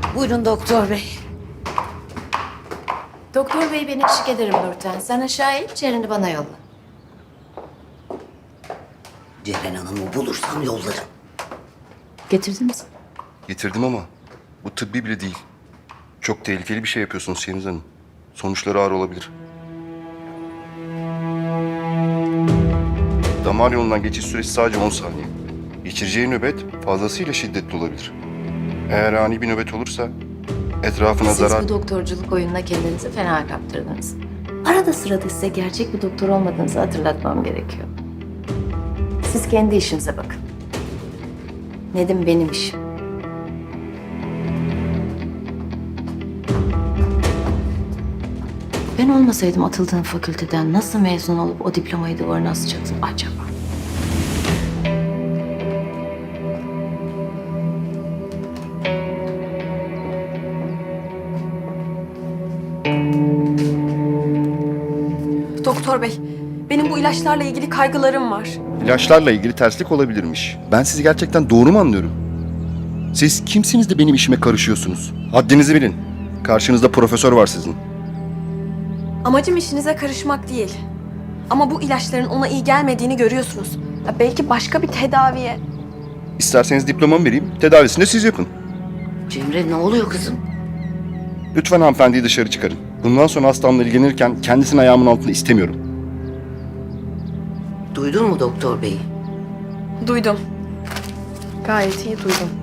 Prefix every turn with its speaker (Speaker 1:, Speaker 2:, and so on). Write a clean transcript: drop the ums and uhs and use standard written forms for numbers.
Speaker 1: Buyurun doktor bey.
Speaker 2: Doktor bey ben eşlik ederim Nurten. Sen aşağı in, Ceren'i bana yolla.
Speaker 1: Ceren Hanım'ı bulursam yollarım.
Speaker 2: Getirdiniz mi?
Speaker 3: Getirdim ama bu tıbbi bile değil. Çok tehlikeli bir şey yapıyorsunuz Şeniz Hanım. Sonuçları ağır olabilir. Damar yolundan geçiş süresi sadece 10 saniye. Geçireceği nöbet fazlasıyla şiddetli olabilir. Eğer ani bir nöbet olursa etrafına
Speaker 2: Siz
Speaker 3: zarar...
Speaker 2: bu doktorculuk oyununa kendinizi fena kaptırdınız. Arada sırada size gerçek bir doktor olmadığınızı hatırlatmam gerekiyor. Siz kendi işinize bakın. Nedim benim işim. Ben olmasaydım atıldığım fakülteden nasıl mezun olup o diplomayı duvarına asacaktım acaba?
Speaker 4: Doktor bey, benim bu ilaçlarla ilgili kaygılarım var.
Speaker 3: İlaçlarla ilgili terslik olabilirmiş. Ben sizi gerçekten doğru mu anlıyorum? Siz kimsiniz de benim işime karışıyorsunuz? Haddinizi bilin. Karşınızda profesör var sizin.
Speaker 4: Amacım işinize karışmak değil. Ama bu ilaçların ona iyi gelmediğini görüyorsunuz. Ya belki başka bir tedaviye...
Speaker 3: İsterseniz diplomamı vereyim, tedavisini de siz yapın.
Speaker 1: Cemre ne oluyor kızım?
Speaker 3: Lütfen hanımefendiyi dışarı çıkarın. Bundan sonra hastamla ilgilenirken kendisini ayağımın altında istemiyorum.
Speaker 1: Duydun mu doktor bey?
Speaker 4: Duydum. Gayet iyi duydum.